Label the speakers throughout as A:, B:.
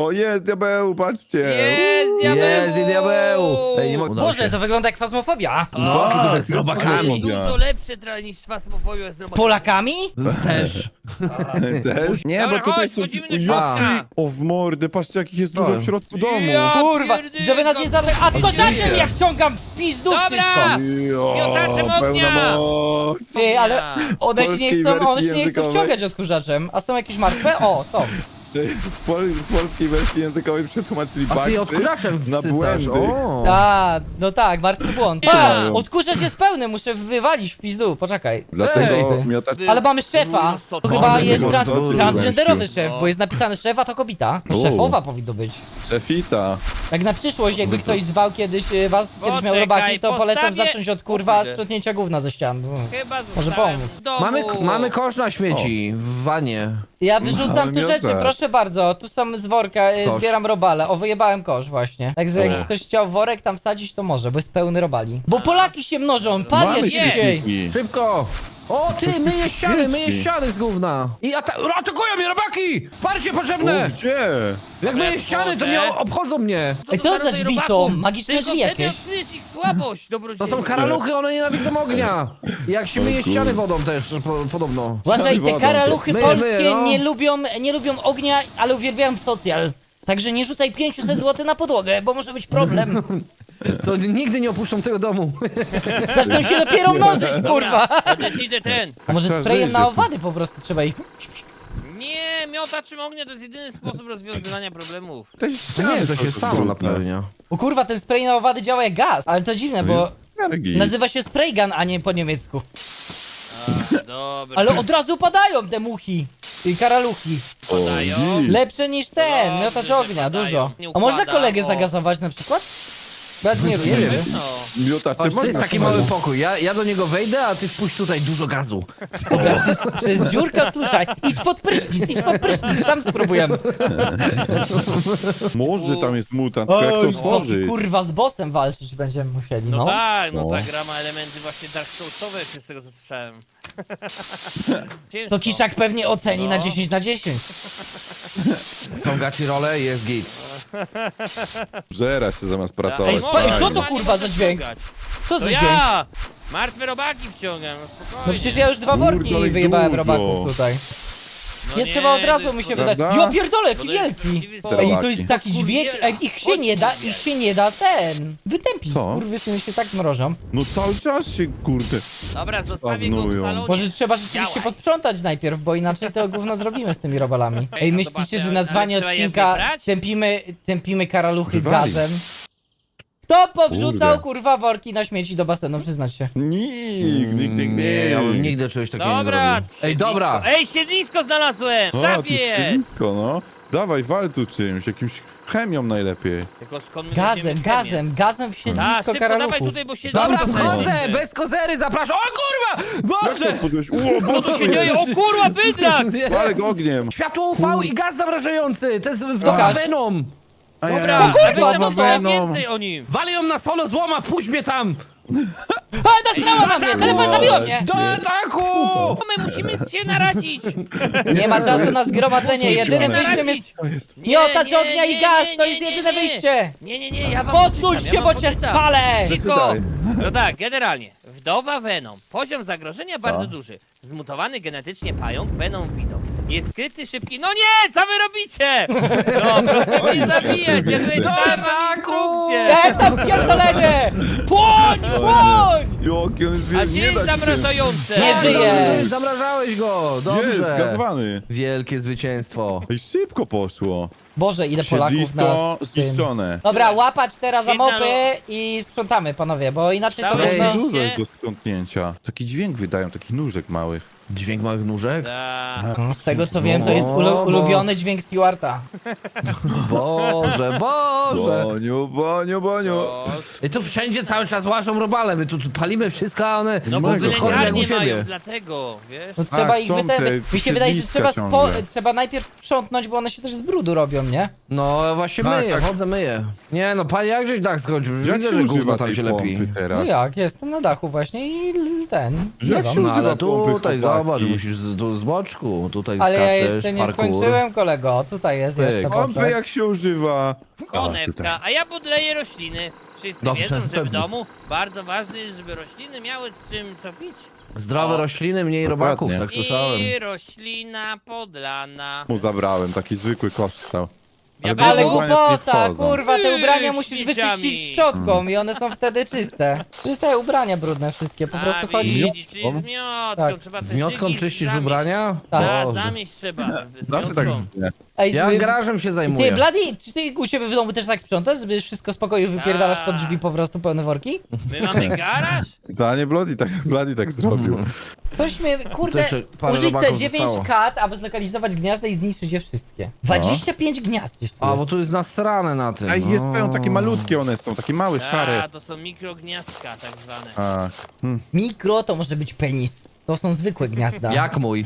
A: O, jest diabeł, patrzcie.
B: Jest diabeł!
C: Jest i diabeł! Ej, nie mogę.
D: Boże, to wygląda jak fasmofobia.
C: No, tylko że z
A: jest
C: robakami.
B: Dużo lepsze niż fasmofobia z
D: Z
B: robakami.
D: Polakami?
C: Też.
A: Też? Nie,
B: Dobra,
A: bo tutaj
B: chodź,
A: są...
B: wchodzimy do
A: Jaki-
B: środka.
A: O, w mordę, patrzcie, jakich jest dużo w środku domu.
B: Ja
D: Kurwa,
B: pierdyka,
D: żeby nas nie zadać. A tylko za czym ja wciągam w pizdu
B: Dobra!
D: wszystko.
B: Miotaczem
A: pełna
B: ognia!
A: moc.
D: Ty, ale one się nie
A: Polskiej
D: chcą, one
A: wersji
D: się nie chcą
A: językowej.
D: wciągać odkurzaczem. A są jakieś martwe? O, są.
A: W polskiej wersji językowej przetłumaczyli
C: A ty
A: baksy
C: odkurzaczem
A: na
C: wsysasz.
A: błędy.
C: O.
D: A, no tak, martwy błąd.
B: Nie.
D: A, odkurzacz jest pełny, muszę wywalić w pizdu, poczekaj.
A: Dlatego
D: Ej.
A: miotacz...
D: Ale mamy szefa. To chyba
A: Może
D: jest
A: może to coś
D: transgenderowy
A: gościu.
D: szef, bo jest napisane szefa to kobieta.
A: U.
D: Szefowa powinno być.
A: Szefita.
D: Jak na przyszłość, jakby ktoś zwał kiedyś was, kiedyś miał
B: Poczekaj,
D: robaki, to polecam
B: postawię-
D: zacząć od kurwa
B: O kurde.
D: sprzątnięcia gówna ze ścian.
B: Chyba
D: Może
B: zostałem
D: pomóc.
B: w domu.
C: Mamy kosz na śmieci w wanie.
D: Ja wyrzucam
A: Mamy
D: tu rzeczy,
A: miotacz.
D: proszę bardzo. Tu są z worka,
C: Kosz.
D: zbieram robale. O, wyjebałem kosz właśnie. Także
A: O.
D: jak ktoś chciał worek tam wsadzić, to może, bo jest pełny robali. Bo Polaki się mnożą, pan
A: Mamy
D: jest szybciej.
A: świetniki.
C: Szybko! O, ty, myję ściany, myję
A: świeczki.
C: ściany z gówna! I atakują mnie robaki! Wsparcie
A: O,
C: potrzebne!
A: gdzie?
C: Jak myję ściany, to mnie obchodzą mnie!
D: Ej, co za drzwi są?
B: robaków?
D: Magiczne
B: Tylko
D: drzwi
B: wtedy
D: jakieś.
B: odkryjesz ich słabość,
C: To
B: dobrodzieju.
C: są karaluchy, one nienawidzą ognia! I jak się myje ściany wodą też, podobno.
D: Uważaj, te
A: wodą.
D: karaluchy
C: Myję,
D: polskie
C: myję, no.
D: nie lubią ognia, ale uwielbiają socjal. Także nie rzucaj 500 zł na podłogę, bo może być problem.
C: To nigdy nie opuszczą tego domu.
D: Zaczną się dopiero mnożyć, kurwa.
B: Ja też idę ten.
D: A może
A: trzeba
D: sprayem
A: żyć,
D: na
A: że-
D: owady po prostu trzeba ich...
B: Nie, miotaczem ognia to jest jedyny sposób rozwiązywania problemów.
A: To
C: Nie, to się samo napełnia.
D: O kurwa, ten spray na owady działa jak gaz. Ale to dziwne, bo
A: Bo...
D: nazywa się spray gun, a nie po niemiecku.
B: A, dobra.
D: Ale od razu padają te muchi i karaluchi.
B: Podają.
D: Lepsze niż ten,
B: Dobrze,
D: miotacz
B: że
D: ognia,
B: padają.
D: dużo.
B: Nie
D: A można
B: układa,
D: kolegę
B: o.
D: zagazować na przykład? Bo ja nie wiem.
B: No.
A: Miotacze
C: Chodź, to jest
A: można
C: taki
A: samemu.
C: mały pokój. Ja do niego wejdę, a ty wpuść tutaj dużo gazu.
D: Przez dziurkę odkluczaj. Idź pod prysznic, tam spróbujemy.
A: Może tam jest mutant, tylko jak to
D: Oj,
A: otworzyć?
D: kurwa, z bossem walczyć będziemy musieli,
B: No
D: no.
B: tak, no
A: No.
B: ta gra ma elementy właśnie Dark Soulsowe, z tego co słyszałem. Ciężko.
D: To Kiszak pewnie oceni na
B: No.
D: 10 na 10.
C: Są gaci role, jest git.
A: Żera się zamiast
B: Ej,
A: pracować.
D: spa-
A: fajnie.
D: co to kurwa za dźwięk? Co
B: To
D: za dźwięk?
B: ja! Martwe robaki wciągam, no spokojnie.
D: No przecież ja już 2
A: Kurde,
D: worki
A: ale
D: wyjebałem
A: dużo.
D: robaków tutaj.
B: No
D: Nie trzeba od razu
B: to
D: mi
B: jest
D: się
B: to-
D: wydać.
A: Prawda?
D: Ja pierdolę, jaki
B: Bo to jest
D: wielki.
B: prawdziwy
D: Ej,
A: Robaki.
D: to jest taki dźwięk, ej, ich się nie da ten, wytępić.
A: Co?
D: Kurwysyny się tak mrożą.
A: No cały czas się, kurde.
B: Dobra, zostawię go w
A: Spawnują.
B: salonie.
D: Może trzeba rzeczywiście
B: Działaj.
D: posprzątać najpierw, bo inaczej to gówno zrobimy z tymi robalami.
B: Ej,
D: Ej,
B: no
D: myślicie,
B: zobaczę,
D: że nazwanie
B: ale trzeba je
D: odcinka
B: wybrać?
D: tępimy karaluchy
A: Wywalić.
D: gazem? Kto powrzucał
A: Kurde.
D: kurwa worki na śmieci do basenu, przyznać się.
A: Nikt.
C: Ja bym nigdy czegoś takiego nie
B: Dobra,
C: zrobił. Ej, dobra!
B: Ej, siedlisko znalazłem! W
A: O,
B: szafie
A: tu
B: jest!
A: środowisko, no. Dawaj, wal tu czymś, jakimś chemią najlepiej.
B: Tylko skąd my weźmiemy chemię?
D: Gazem w
B: A,
D: siedlisko
B: szybko dawaj
D: karaluchów.
B: tutaj, bo siedlisko
C: Dobra,
B: znajdziemy.
C: wchodzę! Bez kozery, zapraszam! O kurwa!
A: Jak
C: Boże!
A: to podłeś? O,
B: Co tu się
A: Boże!
B: dzieje? O kurwa, bydlak!
C: Jezus.
A: Walek ogniem.
C: Światło UV i gaz zamrażający! To jest w
D: Pokaż.
C: Venom!
B: Dobra,
D: O kurwa,
B: a weź nam
D: co to?
B: opowiedz więcej o nim.
C: Wali ją na solo złoma, wpuść mnie tam!
D: A, nastrała na mnie, telefon zabiło mnie!
C: Do ataku!
B: My musimy się naradzić.
D: Nie ma czasu na zgromadzenie, jedynym wyjściem jest...
A: To jest...
D: Miotacz ognia i gaz, to jest jedyne wyjście!
B: Nie, ja wam
D: Posuń
B: poczytam,
D: się,
B: ja
D: bo
B: wam
D: cię
B: poczytam.
D: spalę!
B: Cicho.
A: Przeczytaj.
B: No tak, generalnie. Wdowa Venom. Poziom zagrożenia bardzo duży. Zmutowany genetycznie pająk Venom Widow. Jest skryty, szybki... No nie! Co wy robicie? No, proszę mnie zabijać. Ja tutaj czytałem wam instrukcję.
D: Ja tam pierdolenie! Płoń, płoń!
A: Joki, on jest
B: A
A: wielki,
B: gdzie
A: nie
B: jest
A: da się.
B: zamrażające?
D: Nie żyje.
C: Zamrażałeś go!
A: Jest,
C: Dobrze!
A: zgazowany.
C: Wielkie zwycięstwo.
A: Ej, szybko poszło.
D: Boże, ile Polaków na
A: Siedlisko
D: tym.
A: zniszczone.
D: Dobra, łapać teraz za
B: Jedna
D: mopy i sprzątamy, panowie, bo inaczej to
B: Cały
D: można...
B: dzień.
A: Dużo jest do sprzątnięcia. Taki dźwięk wydają, takich nóżek małych.
C: Dźwięk małych nóżek?
B: Tak.
D: No, z tego co wiem, to jest ulubiony dźwięk Stewarta.
C: Boże, Boże!
A: Boniu.
B: O,
C: I tu wszędzie cały czas łażą robale, my tu palimy wszystko, a one
B: No bo
A: Mego.
C: chodzą jak
B: wylęgarnie
C: u siebie.
B: mają, dlatego, wiesz?
D: No trzeba ich
A: są te
D: wytępić. Mi się wydaje, że
A: siedliska ciągle.
D: trzeba najpierw sprzątnąć, bo one się też z brudu robią, nie?
C: No właśnie
A: Tak,
C: myję,
A: tak.
C: chodzę, myję. Nie no, panie, jak żeś tak skończył?
A: Jak
C: Widzę,
A: się
C: że
A: używa
C: gówno tam
A: tej
C: się lepi.
A: pompy teraz?
D: No jak, jestem na dachu właśnie i ten.
A: Jak
D: zlewam.
A: się
C: No
A: używa
C: ale
A: pompy,
C: tutaj
A: chłopaki?
C: zobacz, musisz tu z boczku, tutaj
D: Ale ja
C: skaczesz,
D: jeszcze nie
C: parkour.
D: skończyłem, kolego. Tutaj jest
C: Pyk.
D: jeszcze
A: Pompę
D: boczek.
A: jak się używa. O, tutaj.
B: Konewka, a ja podleję rośliny. Wszyscy
C: Dobrze,
B: wiedzą, że w
C: pewnie.
B: domu bardzo ważne jest, żeby rośliny miały z czym co pić.
C: Zdrowe
B: O.
C: rośliny, mniej
A: Dokładnie.
C: robaków, tak słyszałem.
B: I roślina podlana.
A: Mu zabrałem, taki zwykły kosz stał.
B: Ja
D: Ale
B: było-
A: ubrania tu nie
D: głupota,
A: wchodzą.
D: kurwa, te ubrania
B: Ty,
D: musisz
B: śmieciami.
D: wyczyścić szczotką i one są wtedy czyste. Czyste ubrania brudne wszystkie, po prostu chodzi...
B: Widzisz, czyli z miotką,
D: Tak.
B: trzeba te
C: Z miotką
B: szygi
C: czyścisz
B: zamieść.
C: ubrania?
D: Tak.
C: Boże.
B: Zamieść trzeba. Z
A: Zawsze tak
B: miotką.
A: nie.
D: Ej,
C: Ja
D: ty-
C: garażem się
D: Ty,
C: zajmuję.
D: Bloody, czy ty u ciebie w domu też tak sprzątasz, żeby wszystko z pokoju wypierdalasz pod drzwi po prostu pełne worki?
B: My mamy garaż?
A: Zdanie Bloody tak zrobił.
D: Coś mnie, kurde,
C: jeszcze parę
D: użyć te
C: robaków
D: 9
C: zostało.
D: kat, aby zlokalizować gniazda i zniszczyć je wszystkie. 25 gniazd jeszcze
C: A,
D: jest.
C: bo tu jest nasrane na tym.
A: A jest
C: no.
A: pełno, takie malutkie one są, takie małe, szare.
B: A, to są mikrogniazdka tak zwane.
A: A,
D: Mikro to może być penis. To są zwykłe gniazda.
C: Jak mój?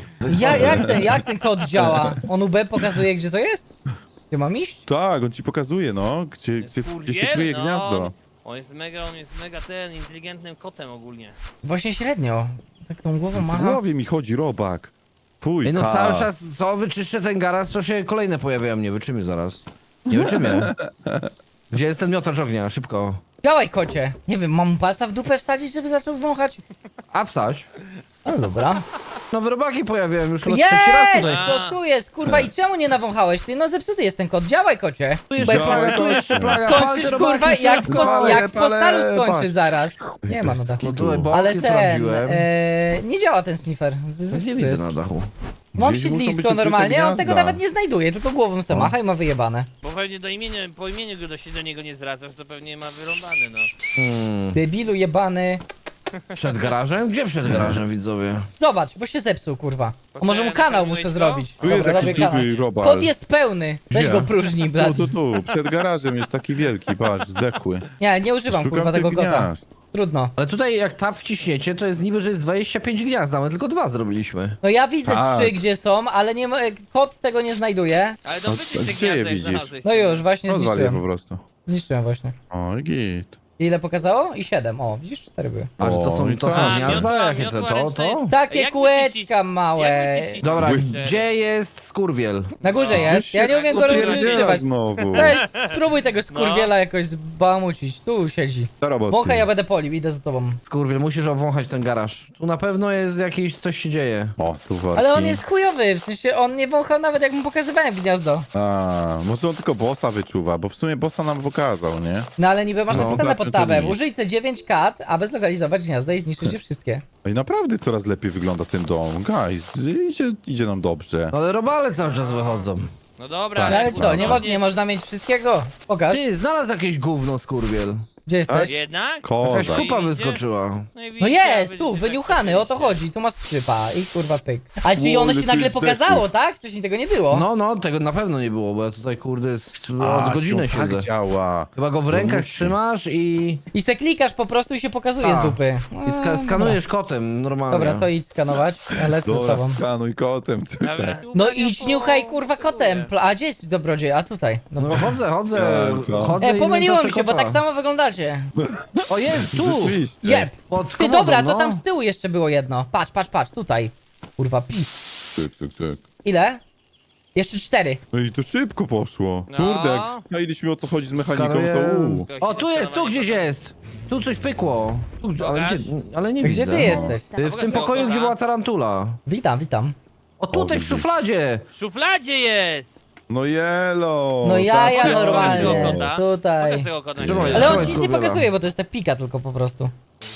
D: Jak ten kod działa? On UB pokazuje, gdzie to jest? Gdzie mam iść?
A: tak, on ci pokazuje, no, gdzie się
B: Kurier?
A: kryje
B: No.
A: gniazdo.
B: On jest mega inteligentnym kotem ogólnie.
D: Właśnie średnio. Tak tą głową
A: W
D: macha.
A: głowie mi chodzi robak. Fuj,
C: Ej, no cały czas, co wyczyszczę ten garaż, to się kolejne pojawiają. Nie wyczymię zaraz. Nie wyczymię. Gdzie jest ten miotacz ognia? Szybko.
D: Działaj, kocie. Nie wiem, mam palca w dupę wsadzić, żeby zaczął wąchać?
C: A wsadź.
D: No dobra.
C: Nowe robaki pojawiają już chyba z trzeci raz
D: Jest!
C: tutaj.
B: A.
D: To tu jest, kurwa, i czemu nie nawąchałeś? Ty, no zepsuty jest ten kot. Działaj, kocie.
C: Tu jeszcze
A: Działaj,
C: plaga, tu
A: kocie.
C: jeszcze plaga. Pal
D: Skończysz,
C: te robaki,
D: kurwa, jak,
C: szybko.
D: jak w postalu skończy
A: patrz.
D: zaraz. Nie ma na dachu.
C: No tu boki
D: Ale ten,
C: sprawdziłem.
D: nie działa ten sniffer.
C: Nie widzę na dachu.
D: Mam
A: Gdzieś muszą być
D: siedlisko
A: ukryte
D: normalnie, a on tego
A: gniazda.
D: nawet nie znajduje, tylko głową se macha i ma wyjebane.
B: Bo pewnie po imieniu go do niego nie zdradzasz, to pewnie ma wyrąbany, no.
D: Debilu jebany.
C: Przed garażem? Gdzie przed garażem, widzowie?
D: Zobacz, bo się zepsuł, kurwa. A może mu kanał
B: naprawiłeś
D: muszę
B: to?
D: zrobić.
A: Tu jest
D: Dobra,
A: jakiś
D: robię kanał.
A: duży robal.
D: Kod jest pełny. Weź
C: Gdzie?
D: go próżnij, blad.
A: Tu, przed garażem jest taki wielki, patrz, zdechły.
D: Nie używam,
A: Szukam
D: kurwa, tego
A: tych
D: kota.
A: gniazd.
D: Trudno.
C: Ale tutaj jak tab wciśniecie, to jest niby, że jest 25 gniazd, a my tylko 2 zrobiliśmy.
D: No ja widzę
A: Tak.
D: 3, gdzie są, ale nie ma, kot tego nie znajduje.
B: Ale to
A: No,
B: wyczyść te
A: gdzie je
B: gniazda, jak
A: widzisz?
B: znalazłeś.
D: No już, właśnie
A: Rozwal je po
D: zniszczyłem.
A: prostu.
D: Zniszczyłem właśnie.
A: O, i git.
D: Ile pokazało? I 7. O, widzisz, 4 były.
C: A, że to
A: O,
C: są,
A: i
C: to są
A: tak.
C: gniazda?
B: Miotła-
C: Jakie to?
B: miotła
C: To?
B: ręczna
C: To?
B: jest-
D: Takie
B: jak
D: kółeczka
B: wyczyścić-
D: małe.
B: jak wyczyścić-
C: Dobra,
A: Błysk.
C: gdzie jest skurwiel?
D: Na górze
B: No.
D: jest. Ja nie umiem go
A: Popierdziela
D: używać.
A: znowu.
D: Weź, spróbuj tego skurwiela jakoś zbałamucić. Tu siedzi.
A: Do roboty.
D: Wąchaj, ja będę polił, idę za tobą.
C: Skurwiel, musisz obwąchać ten garaż. Tu na pewno jest jakieś, coś się dzieje.
A: O, tu worki.
D: Ale on jest chujowy, w sensie on nie wąchał nawet jak mu pokazywałem gniazdo.
A: A, może on tylko bossa wyczuwa, bo w sumie bossa nam pokazał, nie?
D: No ale niby masz
A: No,
D: napisane pod
A: znaczy to
D: tabem.
A: nic.
D: Użyj te 9 kat, aby zlokalizować gniazda i zniszczyć je wszystkie.
A: No i naprawdę coraz lepiej wygląda ten dom. Guys, idzie nam dobrze.
C: No ale robale cały czas wychodzą.
B: No dobra,
A: Tak.
D: Ale
B: jak
D: co, nie,
B: uważnie-
D: nie można mieć wszystkiego? Pokaż.
C: Ty, znalazł jakieś gówno, skurwiel.
D: Gdzie jesteś?
B: Jednak?
C: Jakaś
A: Koza.
C: kupa
B: Idzie?
C: wyskoczyła.
B: i
D: No
B: widzicie,
D: jest,
B: a
D: tu,
B: widzicie,
D: wyniuchany,
B: tak
D: o to chodzi, tu masz skrzypa i kurwa pyk. A czyli
A: Ło,
D: ono
A: ile
D: się
A: tu
D: nagle
A: jest
D: pokazało,
A: zdechłych.
D: tak? Wcześniej tego nie było.
C: No, tego na pewno nie było, bo ja tutaj kurde
A: A,
C: od godziny
A: tak
C: siedzę.
A: działa.
C: Chyba go w
A: To
C: rękach
A: musi.
C: trzymasz i
D: I se klikasz po prostu i się pokazuje z
C: A.
D: dupy.
C: skanujesz kotem normalnie.
D: Dobra, to idź skanować, ja lecę z
A: Dobra,
D: tobą.
A: skanuj kotem.
B: Dobra.
D: No idź niuchaj kurwa kotem. A gdzie jest dobrodziej? A tutaj.
C: No
D: Dobra.
C: chodzę,
A: Dobra.
C: chodzę i
D: Pomyliłem
C: miętoszę
D: się, bo
C: kota.
D: tak samo wyglądacie.
C: O jest, tu!
A: Rzeczywiście.
D: Jeb.
C: Pod
D: Ty
C: komodą,
D: dobra, to
C: no.
D: tam z tyłu jeszcze było jedno. Patrz, tutaj. Kurwa, pis.
A: Cyk.
D: Ile? Jeszcze 4.
A: No i to szybko poszło.
B: No.
A: Kurde, jak staliśmy o co chodzi z mechaniką, to
C: Skanuję.
A: u.
C: O, tu jest, tu gdzieś jest! Tu coś pykło. Tu, ale,
B: Pokaż.
C: ale nie
D: Gdzie
C: widzę.
D: ty jesteś?
C: W tym pokoju, gdzie była tarantula.
D: Witam.
C: O, tutaj w
A: widzisz.
C: szufladzie!
B: W szufladzie jest!
A: No jelo.
D: No jaja
A: tak,
D: normalnie.
B: Pokaż tego kota.
D: Tutaj.
B: Pokaż tego kota.
C: Trzymaj.
D: Ale on
C: Trzymaj
D: ci nic nie
C: skurwiela.
D: pokazuje, bo to jest ta pika tylko po prostu.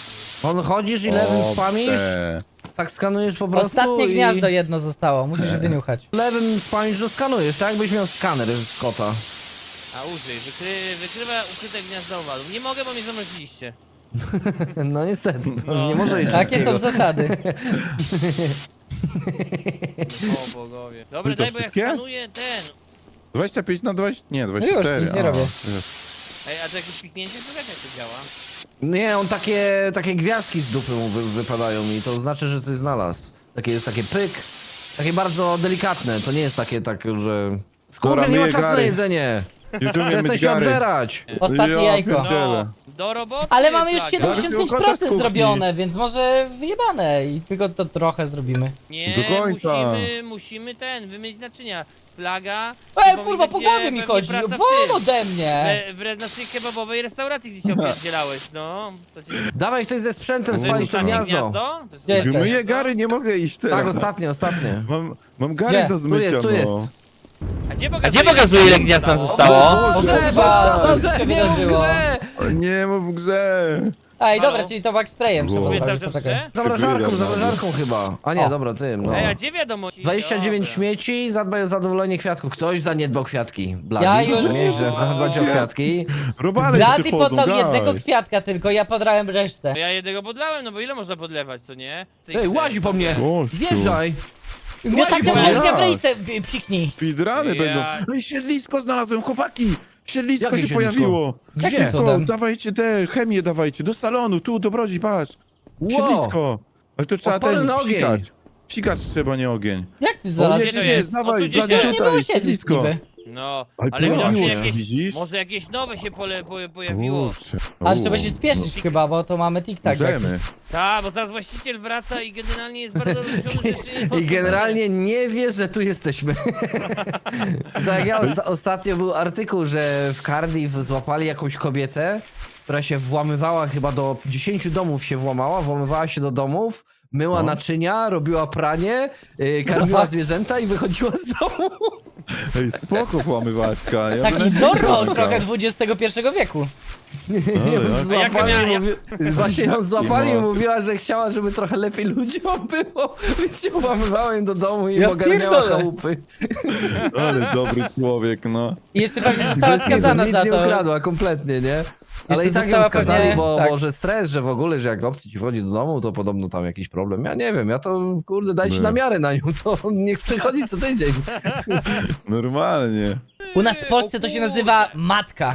C: On chodzisz i lewym spamisz, tak skanujesz po prostu
D: Ostatnie
C: i...
D: gniazdo jedno zostało, musisz je wyniuchać.
C: Lewym spamisz, to skanujesz, tak jakbyś miał skaner z kota.
B: A użyj, wykrywa ukryte gniazda owadów. Nie mogę, bo mnie zamroziliście.
C: No niestety, no,
B: No.
C: nie może iść
D: Takie
C: wszystkiego.
D: są zasady.
B: O bogowie. Dobra,
A: I to
B: daj, bo ja
A: wszystkie?
B: skanuję ten.
A: 25 na 20. Nie,
D: już,
A: 24.
D: nic nie
A: a,
D: robię.
A: jest.
B: Ej, a to jakieś piknięcie, to jak to działa?
C: Nie, on takie gwiazdki z dupy mu wypadają i to znaczy, że coś znalazł. Takie jest takie pyk, takie bardzo delikatne, to nie jest takie, że... Skurwiel, nie ma
A: myję
C: czasu na
A: gary.
C: jedzenie!
A: Już umiem
C: Przestań
A: myć
C: się
A: gary.
C: obżerać!
D: Ostatnie
A: Ja
D: jajko.
A: pierdzielę.
B: No, Do roboty.
D: Ale mamy już
B: Plaga.
D: 75% zrobione, więc może wyjebane i tylko to trochę zrobimy.
B: Nie,
A: Do końca.
B: musimy wymyć naczynia. Plaga.
D: Ej,
B: bo
D: kurwa,
B: mi
D: po
B: będzie
D: głowie mi
B: pewnie
D: chodzi,
B: praca w
D: won
B: tym.
D: ode mnie!
B: W naszej kebabowej restauracji, gdzie się opierdzielałeś, no. To cię...
C: Dawaj ktoś ze sprzętem
B: To
C: spalić
B: jest
C: to
B: ostatnie
C: gniazdo.
B: To jest
D: Gdzie jesteś?
A: Myję gary, nie mogę iść teraz.
C: Tak, ostatnie.
A: Mam gary
D: Gdzie?
A: do zmycia,
C: Tu jest.
A: no.
B: A gdzie pokazuje, ile gniazd nam zostało?
D: O kurwa, co
C: Boże,
D: się
C: nie mów w
D: wydarzyło?
C: grze!
A: O, nie mów w grze.
D: Ej, dobra,
B: Halo?
D: czyli to sprayem trzeba
A: Było.
B: Mówię cały
D: zrobić,
B: czas
D: poczekaj.
B: grze?
C: Zamrażarką chyba. A nie,
D: O.
C: dobra, tym, no.
B: Ej, a gdzie wiadomości?
C: 29
B: Dobra.
C: śmieci, zadbaj o zadowolenie kwiatków. Ktoś zaniedbał kwiatki. Blady,
D: Ja już-
C: nieźle, zadbać o kwiatki.
A: Robale
D: Blady
A: przychodzą,
D: podał jednego
A: guys.
D: kwiatka tylko, ja podrałem resztę.
B: Ja jednego podlałem, no bo ile można podlewać, co nie?
C: Ej, łazi po mnie!
A: Gościu.
C: Zjeżdżaj!
D: Nie tak
C: po
D: jak
C: mnie!
D: ognia w rejsce psiknij.
A: Speedruny
B: Ja-
A: będą. Ej, siedlisko znalazłem, chłopaki! Siedlisko
C: Jakie
A: się
C: siedlisko?
A: pojawiło.
C: Gdzie?
A: Szybko,
D: Cudem.
A: dawajcie te, chemię dawajcie, do salonu, tu, dobrodzi, patrz.
C: Ło!
A: Siedlisko. Ale to trzeba
C: Odporny
A: ten,
C: na ogień.
A: psikać. Psikać trzeba, nie ogień.
D: Jak ty
A: O,
D: znalazłeś?
B: Gdzie to jest?
A: dawaj,
B: O, tu gdzieś
A: Blady,
B: jest.
D: Nie było
A: tutaj,
D: siedlisk
A: siedlisko.
D: niby.
B: No,
A: Ale
B: ale
A: pojawiło
B: może
A: się,
B: jakieś,
A: widzisz?
B: może jakieś nowe się pojawiło.
A: Kurczę.
D: Ale trzeba się spieszyć chyba, bo to mamy tik-tak.
A: Możemy.
B: Tak, bo zaraz właściciel wraca i generalnie jest bardzo rozwiązany rzeczy.
C: I generalnie nie wie, że tu jesteśmy. Tak jak ja ostatnio był artykuł, że w Cardiff złapali jakąś kobietę, która się włamywała chyba do 10 domów się włamywała się do domów, myła
A: No.
C: naczynia, robiła pranie, karmiła zwierzęta i wychodziła z domu.
A: Ej, spoko włamywaczka. Ja
D: Taki
A: bym
D: Zorro
A: taka.
D: trochę XXI wieku.
A: jak?
C: Złapali,
B: A jaka
C: właśnie ją złapali i
A: ma.
C: mówiła, że chciała, żeby trochę lepiej ludziom było, więc się włamywała im do domu i
D: Ja
C: ogarniała
D: pierdolę.
C: chałupy.
A: Ale dobry człowiek, no.
D: I jeszcze pewnie została
C: Bez kitu,
D: skazana
C: nic
D: za
C: nie
D: to.
C: ukradła kompletnie, nie? Ale
D: Jeszcze
C: i tak ją
D: dostała
C: skazali,
D: pewnie-
C: bo
D: tak.
C: może stres, że w ogóle, że jak obcy ci wchodzi do domu, to podobno tam jakiś problem. Ja nie wiem, ja to kurde dajcie
A: Nie.
C: na miarę na nią, to niech przychodzi co tydzień.
A: Normalnie.
D: U nas w Polsce to się nazywa matka.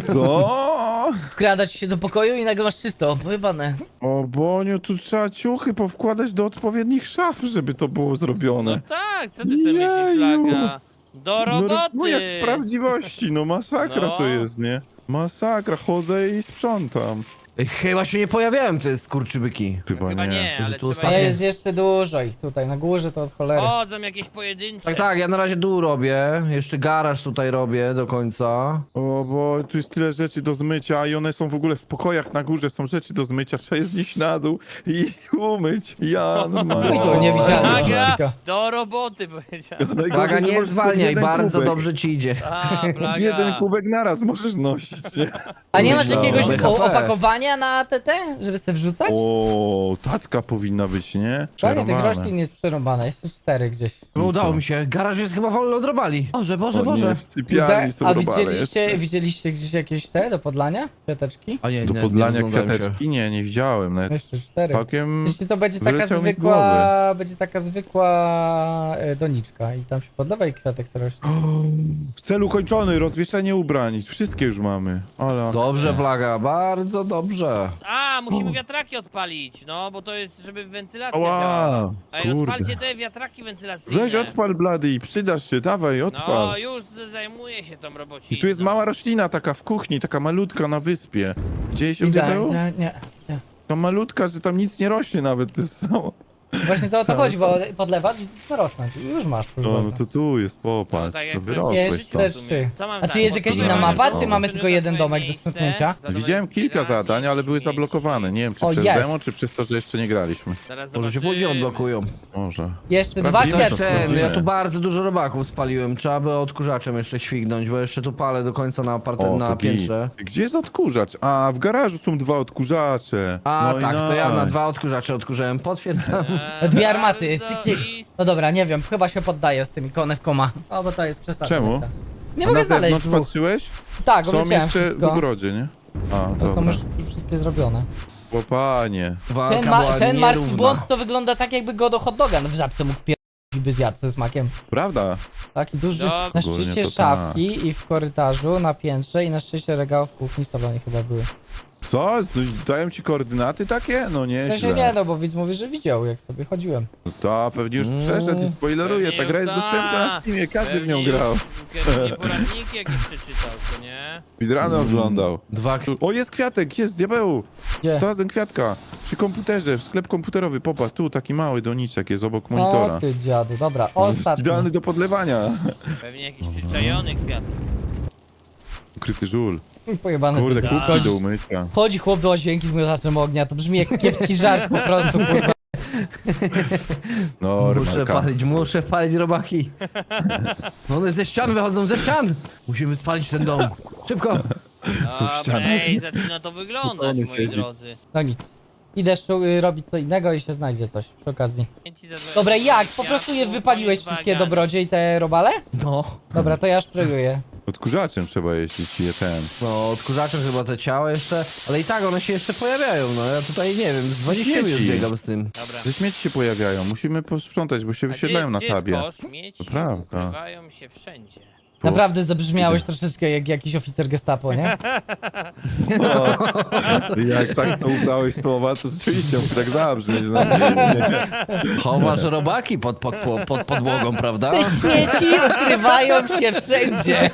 A: Co?
D: Wkradać się do pokoju i nagle masz czysto, pojebane.
A: O Boniu, tu trzeba ciuchy powkładać do odpowiednich szaf, żeby to było
B: No
A: zrobione.
B: tak, co ty sobie myślisz,
A: Jeju.
B: Plaga? Do roboty!
A: No jak w prawdziwości, no masakra
B: No.
A: to jest, nie? Masakra, chodzę i sprzątam.
C: Ej, chyba się nie pojawiałem, te skurczybyki.
A: Chyba,
B: Chyba
A: nie.
B: nie,
C: Że
B: ale
C: tu
B: trzeba...
D: A
C: ostatnio-
D: jest jeszcze dużo ich tutaj, na górze to od cholery.
B: Chodzą jakieś pojedyncze.
C: Tak, tak, ja na razie dół robię, jeszcze garaż tutaj robię do końca.
A: O, bo tu jest tyle rzeczy do zmycia i one są w ogóle w pokojach na górze, są rzeczy do zmycia, trzeba je znieść na dół i umyć. Ja
D: I
A: normalnie.
D: to niewidzialne.
B: Plaga,
D: wszystko.
B: do roboty powiedziałem.
A: Najgorzej,
C: Plaga,
A: że
C: nie
A: możesz
C: zwalniaj,
A: jeden
C: bardzo
A: kubek.
C: dobrze ci idzie.
B: A, Plaga.
A: Jeden kubek naraz możesz nosić, nie?
D: A nie masz
C: Myślałem,
D: jakiegoś
C: BHP.
D: opakowania na TT, żeby sobie wrzucać?
A: O, tacka powinna być, nie?
D: Panie, tych
A: Przerwane.
D: roślin jest przerąbane, jeszcze 4 gdzieś.
C: No udało mi się, garaż jest chyba wolny od robali. Boże, Boże,
A: O
C: Boże.
A: nie, w sypialni są
D: A
A: robale
D: widzieliście,
A: jeszcze.
D: widzieliście gdzieś jakieś te do podlania? Kwiateczki?
C: A nie,
A: Do
C: nie,
A: podlania
C: nie rozglądałem się.
A: kwiateczki? Nie widziałem. Nawet
D: Jeszcze 4.
A: całkiem...
D: Jeśli to będzie taka
A: wyleciał mi z
D: zwykła, będzie taka zwykła doniczka i tam się podlewa i kwiatek sobie rośnie.
A: Cel ukończony, rozwieszenie ubrań. Wszystkie już mamy. Ale
C: Dobrze, Plaga, bardzo dobrze.
B: A, musimy wiatraki odpalić, no, bo to jest, żeby wentylacja działała.
A: Ała,
B: Ej, odpalcie
A: kurde.
B: te wiatraki wentylacyjne.
A: Weź odpal blady i przydasz się, dawaj,
B: No,
A: odpal.
B: już zajmuję się tą robociną.
A: I tu jest mała roślina taka w kuchni, taka malutka na wyspie. Gdzieś ją
D: tak,
A: był?
D: nie.
A: Ta malutka, że tam nic nie rośnie nawet, to jest samo.
D: Właśnie to o to
A: Co,
D: chodzi,
A: co?
D: bo podlewasz i to rosnąć. I już masz.
A: No to tu jest, popatrz,
B: tak
A: to
B: jak
A: wyrosłeś
D: jest,
A: to.
D: też trzy.
B: Co mam
D: A tu jest jakaś inna mapa, czy mamy tylko jeden domek do stuknięcia?
A: Widziałem kilka zadań, ale były zablokowane. Nie wiem, czy
D: O,
A: przez
D: jest.
A: demo, czy przez to, że jeszcze nie graliśmy.
B: Zaraz
C: Może się później odblokują.
A: Może.
D: Jeszcze dwa
A: Sprawdzimy
C: Coś
A: to,
D: kwiatki.
C: ten,
A: sprawdzimy.
C: ja tu bardzo dużo robaków spaliłem, trzeba by odkurzaczem jeszcze śwignąć, bo jeszcze tu palę do końca na, na
A: to
C: piętrze.
A: git. Gdzie jest odkurzacz? A, w garażu są 2 odkurzacze.
C: A
A: No i
C: tak, to ja na
A: nice.
C: 2 odkurzacze odkurzałem, potwierdzam.
D: Dwie armaty. No dobra, nie wiem, chyba się poddaję z tymi konewkoma. O, bo to jest przesada.
A: Czemu?
D: Nie
A: A
D: mogę
A: na
D: znaleźć
A: zewnątrz
D: dwóch.
A: patrzyłeś?
D: Tak,
A: Są
D: obliczyłem
A: jeszcze w
D: wszystko.
A: ogrodzie, nie? A,
D: To są
A: dobra.
D: już wszystkie zrobione.
A: O panie.
C: Walka
D: Ten,
C: była
D: ten martwy
C: nierówna.
D: błąd to wygląda tak, jakby go do hot doga w żabce mógł pierdolić i by zjadł ze smakiem.
A: Prawda?
D: Taki duży.
B: Dobra.
D: Na
A: Ogólnie
D: szczycie
A: to
D: szafki i w korytarzu, na piętrze i na szczycie regałów w kuchni, salonie chyba były.
A: Co? Coś dają ci koordynaty takie? No
D: To się
A: nieźle.
D: nie, no bo widz mówi, że widział, jak sobie chodziłem.
A: No to pewnie już przeszedł i spoileruje. Ta
B: Pewnie
A: gra jest
B: już
A: dostępna na Steamie, każdy w nią
B: Pewnie
A: grał.
B: Pewnie poradniki jakieś przeczytał, co nie?
A: Speedruny oglądał.
C: Dwa...
A: O, jest kwiatek, jest, diabeł!
D: Gdzie?
A: Znalazłem kwiatka. Przy komputerze, sklep komputerowy, popatrz, tu taki mały doniczek jest obok monitora.
D: O ty dziadu, dobra, ostatni.
A: Idealny do podlewania.
B: Pewnie jakiś przyczajony kwiat.
A: Ukryty żul.
D: Pojebany
A: Kurde,
D: bez-
A: kubki do umycia.
D: Chodzi chłop do łazienki z miotaczem ognia, to brzmi jak kiepski żart po prostu, kurwa.
C: Muszę palić robaki. No one ze ścian wychodzą, ze ścian! Musimy spalić ten dom. Szybko!
A: Są
B: Dobra,
A: ściany.
B: ej, zaczyna to wyglądać,
A: Spokojnie
B: moi
A: siedzi.
B: drodzy.
D: No nic. Idę robić co innego i się znajdzie coś przy okazji.
B: Chęci za 20
D: Dobra, jak? Po
B: kwiatków,
D: prostu je wypaliłeś
B: koniec
D: wszystkie
B: bałaganu.
D: dobrodzie i te robale?
C: No.
D: Dobra, to ja szprejuję.
A: Odkurzaczem trzeba jeździć je ten.
C: No, odkurzaczem chyba te ciała jeszcze, ale i tak one się jeszcze pojawiają, no ja tutaj nie wiem, z 20 minut
A: Śmieci.
C: biegam z tym.
B: Dobra.
A: Ze śmieci się pojawiają, musimy posprzątać, bo się
B: A
A: wyświetlają na
B: gdzie jest
A: tabie.
B: kosz? Śmieci
A: To prawda.
B: ukrywają się wszędzie.
A: Tu.
D: Naprawdę zabrzmiałeś
A: Idę.
D: troszeczkę jak jakiś oficer gestapo, nie?
A: Jak tak to ubrałeś słowa, to rzeczywiście mógł tak zabrzmieć na mnie.
C: Chowasz robaki pod podłogą, prawda?
D: Te śmieci ukrywają się wszędzie.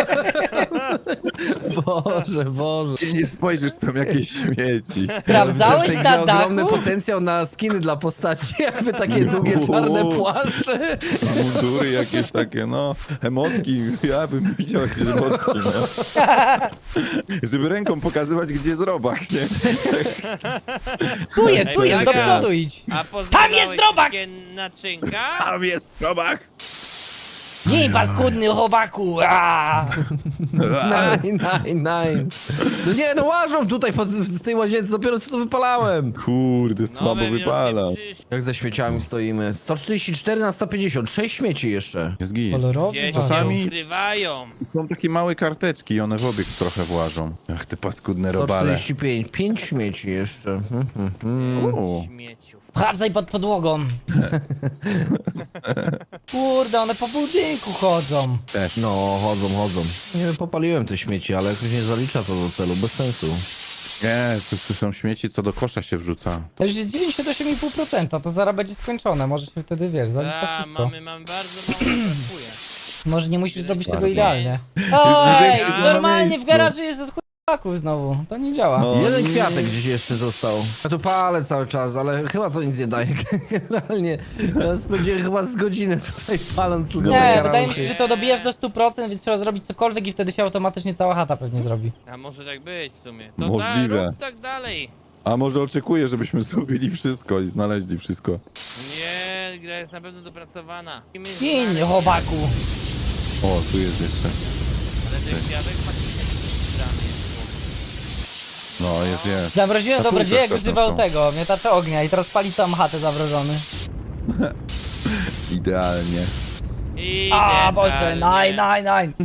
C: Boże, Boże.
A: Ty nie spojrzysz, tam jakieś śmieci.
D: Sprawdzałeś
C: W tej
D: na
C: grze ogromny
D: dachu?
C: potencjał na skiny dla postaci, jakby takie długie czarne płaszcze.
A: Mundury jakieś takie, no, emotki. Ja bym widział jakieś emotki, no. Żeby ręką pokazywać, gdzie jest robak, nie?
D: Tu jest, do
B: Plaga.
D: przodu idź.
B: A poznawałeś
D: jest drobak!
B: wszystkie naczynka?
A: Tam jest robak!
D: Nie, paskudny chowaku! aaa.
C: Nine. No nie, no łażą tutaj z tej łazience, dopiero co to wypalałem.
A: Kurde, słabo
B: Nowe
A: wypala.
B: widocznie przyszły.
C: Jak ze śmieciami stoimy. 144 na 150, 6 śmieci jeszcze.
A: Jest git.
D: Kolorowy?
B: Gdzieś
A: Czasami-
B: się ukrywają.
A: Są takie małe karteczki i one w obieg trochę włażą. Ach, te paskudne robale.
C: 145, 5 śmieci jeszcze.
A: U.
B: Śmieciów.
D: Sprawdzaj pod podłogą. Kurde, one po budynku chodzą.
A: Też.
C: No, chodzą. Nie wiem, popaliłem te śmieci, ale jakoś nie zalicza to do celu, bez sensu.
A: Nie, to są śmieci, co do kosza się wrzuca.
D: To już jest 98,5%, to zaraz będzie skończone. Może się wtedy, wiesz, zalicza
B: A,
D: wszystko.
B: mamy bardzo mało, brakuje.
D: Może nie musisz zrobić tego
A: Bardzo.
D: idealnie.
B: Jest
D: Oj,
A: niebieskie na
D: normalnie w
A: miejscu.
D: garażu jest od chłopaków znowu. To nie działa.
A: No.
C: Jeden
A: nie.
C: kwiatek gdzieś jeszcze został. Ja tu palę cały czas, ale chyba to nic nie daje. Generalnie ja spędziłem chyba z godzinę tutaj paląc tylko te
D: Nie,
C: karaluchy.
D: wydaje mi się, że to dobijasz do 100%, więc trzeba zrobić cokolwiek i wtedy się automatycznie cała chata pewnie zrobi.
B: A może tak być w sumie. To
A: Możliwe.
B: rób tak dalej.
A: A może oczekuję, żebyśmy zrobili wszystko i znaleźli wszystko.
B: Nie, gra jest na pewno dopracowana.
D: Gin, chowaku.
A: O, tu jest jeszcze.
B: Ale ten kwiatek faktycznie strany jest.
A: No, jest.
D: Zamroziłem
A: Na
D: dobrodzieja, jak
A: półkach
D: używał
A: są.
D: tego, miotacza ognia i teraz pali tam chatę zamrożony.
A: Idealnie.
D: A, Boże,
B: Idealnie.
D: nine.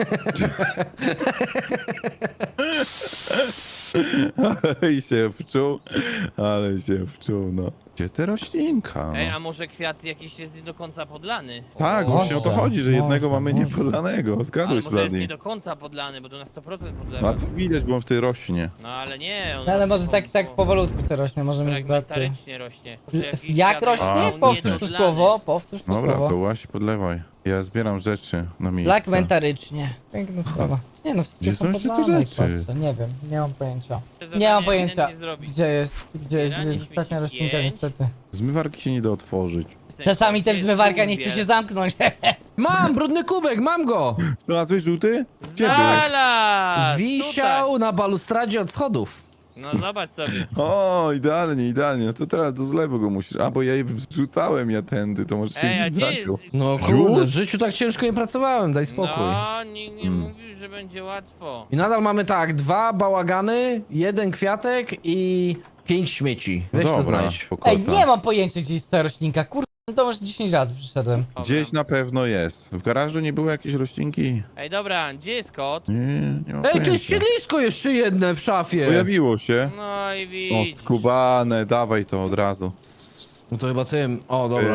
A: I się wczuł, ale się wczuł, no. Gdzie te roślinka?
B: Ej,
A: No?
B: a może kwiat jakiś jest nie do końca podlany?
A: Tak,
B: O,
A: właśnie o to
D: może,
A: chodzi, że jednego
D: może,
A: mamy
D: może.
A: niepodlanego.
B: ale
A: Zgadłeś,
B: może jest nie
A: Blady.
B: do końca podlany, bo to na 100%
A: No,
B: podlewa.
A: a tu widać, bo on wtedy rośnie.
B: No ale nie, on
D: No ale
B: rośnie
D: może tak powolutku sobie rośnie, może mieć rację.
B: fragmentarycznie rośnie. Może jakiś
D: Jak
B: kwiatek
D: rośnie?
A: A,
B: był
D: Powtórz to
B: niedodlany.
D: słowo, powtórz to
A: Dobra,
D: słowo.
A: to właśnie podlewaj. Ja zbieram rzeczy na miejsce.
D: Fragmentarycznie. Piękna sprawa. Nie no, wszystkie
A: Gdzie
D: są
A: są jeszcze te
D: podlane i
A: rzeczy?
D: patrzę. Nie wiem, nie mam pojęcia.
B: Zadanie
D: Nie mam
B: ewidentnie
D: pojęcia,
B: zrobić.
D: gdzie jest
B: Zbieranie
D: ostatnia
B: śmieci
D: roślinka
B: 5.
D: niestety.
A: Zmywarki się nie da otworzyć.
D: Czasami też
B: Jest
D: zmywarka nie chce
B: kubiel.
D: się zamknąć.
C: Mam brudny kubek, mam go!
A: Znalazłeś żółty? Gdzie był?
B: Znalazł!
C: Wisiał na balustradzie od schodów.
B: No zobacz sobie.
A: O, idealnie. No to teraz do zlewu go musisz. A, bo ja je wrzucałem tędy, to może się
B: Ej, a
A: gdzieś
B: gdzie jest...
A: zaciął.
C: No
A: Już?
C: kurde, w życiu tak ciężko nie pracowałem, daj spokój.
B: No, nikt nie mówił, że będzie łatwo.
C: I nadal mamy tak, 2 bałagany, 1 kwiatek i 5 śmieci.
A: No
C: Weź to
A: dobra,
C: znajdź.
A: spokojnie.
D: Ej, nie mam pojęcia gdzie jest ta roślinka, kurde, to już 10 razy przyszedłem.
B: Dobra.
A: Gdzieś na pewno jest. W garażu nie było jakiejś roślinki?
B: Ej, dobra, gdzie jest kot?
A: Nie mam
C: Ej, tu jest
A: pojęcia.
C: siedlisko jeszcze jedne w szafie.
A: Pojawiło się.
B: No i
A: O,
B: widzisz.
A: skubane, dawaj to od razu.
C: No to chyba tym. O, dobra.
A: Pyk.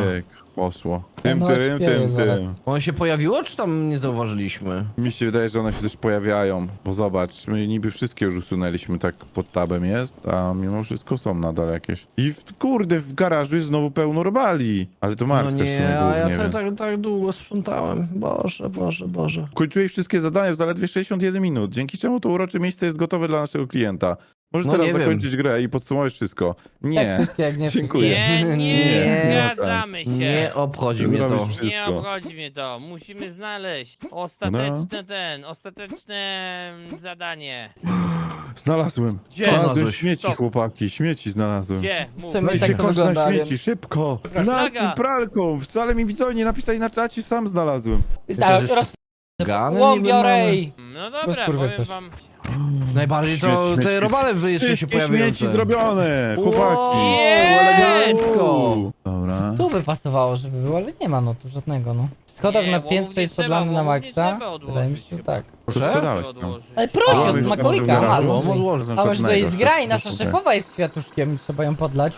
A: Poszło. Tym,
D: No,
A: tym,
D: śpieję
A: tym,
D: zaraz.
A: tym.
C: Ono się pojawiło, czy tam nie zauważyliśmy?
A: Mi się wydaje, że one się też pojawiają. Bo zobacz, my niby wszystkie już usunęliśmy, tak pod tabem jest, a mimo wszystko są nadal jakieś. I kurde, w garażu jest znowu pełno robali. Ale to
C: No
A: martwe w sumie
C: nie, a ja
A: głównie,
C: tak,
A: więc.
C: tak długo sprzątałem. Boże, Boże, Boże.
A: Kończyłeś wszystkie zadania w zaledwie 61 minut, dzięki czemu to urocze miejsce jest gotowe dla naszego klienta. Możesz
C: No
A: teraz
C: nie wiem.
A: zakończyć grę i podsumować wszystko. Nie.
D: wszystkie, jak nie
A: Dziękuję.
B: Nie, nie,
C: Nie.
B: zgadzamy się.
C: Nie obchodzi mnie to.
A: Zrobisz
B: Nie
A: wszystko.
B: obchodzi mnie to. Musimy znaleźć
A: No.
B: ostateczne zadanie.
A: Znalazłem.
B: Gdzie?
A: Znalazłem
C: Znalazłeś?
A: śmieci,
B: Co?
A: chłopaki. Śmieci znalazłem.
B: Gdzie? Mów.
D: Chcemy-
A: Dajcie
D: tak to
A: kosz na
D: wygląda,
A: śmieci,
D: więc-
A: szybko.
B: Flaga.
A: Nad pralką. Wcale mi widzowie nie napisali na czacie, sam znalazłem.
D: Tak,
C: jeszcze
D: roz...
C: Gany
D: Łom
C: niby
D: biorę
C: mamy.
D: i...
B: No dobra,
D: kurwa
B: powiem
D: coś.
B: wam.
C: Najbardziej to
A: Śmieć,
C: te
A: śmieć,
C: robale jeszcze się
A: Wszystkie
C: pojawiają.
A: śmieci zrobione, chłopaki.
C: Wow,
B: Jest!
C: elegancko.
A: Dobra.
D: Tu by pasowało, żeby było, ale nie ma no tu żadnego, no. Schodów
B: Nie,
D: na
B: łomów
D: piętrze
B: nie
D: jest
B: trzeba,
D: podlany na
B: łomów nie
D: maksa.
B: trzeba odłożyć
D: Wydaje mi się, że
B: chyba.
D: tak.
A: Proszę?
B: Trzeba
A: Dałeś tam.
B: odłożyć.
D: Ale proszę,
C: A,
D: z
C: już
D: Makolika,
C: tam
D: a,
C: odłożyć.
D: może.
C: Odłożę.
D: A może to jest gra i nasza
A: Proszę.
D: szefowa jest kwiatuszkiem i trzeba ją podlać.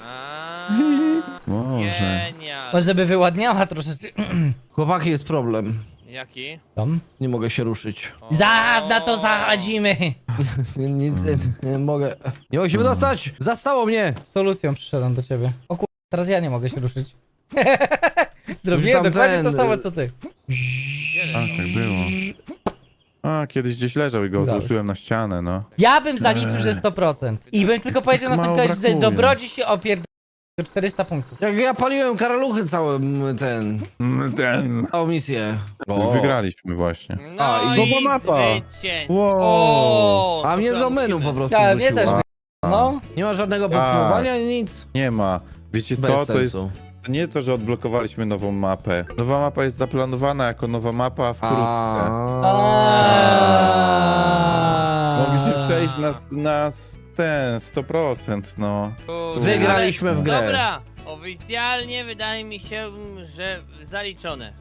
A: Może.
B: Genial.
D: Może by wyładniała troszeczkę.
C: Chłopaki, jest problem.
B: Jaki?
D: Tam.
C: Nie mogę się ruszyć.
D: Zaraz na to zachadzimy.
C: Nic, nie mogę. Nie mogę się wydostać! Zastało mnie!
D: Z solucją przyszedłem do ciebie. O kur... teraz ja nie mogę się ruszyć.
C: Już
D: Zrobiłem
C: tam
D: dokładnie to
C: ten-
D: samo co ty.
A: A, tak było. A, kiedyś gdzieś leżał i go
D: Dałeś.
A: odłożyłem na ścianę, no.
D: Ja bym zaliczył, że 100%. I bym tylko powiedział na
A: Mało
D: samym końcu, że
A: brakuje.
D: dobrodzi się opierd... 400 punktów.
C: Jak ja paliłem karaluchy całą misję. O.
A: Wygraliśmy właśnie.
B: No
C: A,
B: i
A: nowa mapa.
B: zwycięstwo.
A: Wow.
B: O,
C: A
B: to
C: mnie
B: tam
C: do menu
B: musimy.
C: po prostu
D: Tak, mnie też.
C: wrzuciło.
D: No.
C: Nie ma żadnego podsumowania, ani nic.
A: Nie ma. Wiecie
C: Bez
A: co, to jest
C: sensu.
A: nie to, że odblokowaliśmy nową mapę. Nowa mapa jest zaplanowana jako nowa mapa wkrótce. Mogliśmy przejść na ten 100%, no.
B: Kurde.
C: Wygraliśmy w grę.
B: Dobra, oficjalnie wydaje mi się, że zaliczone.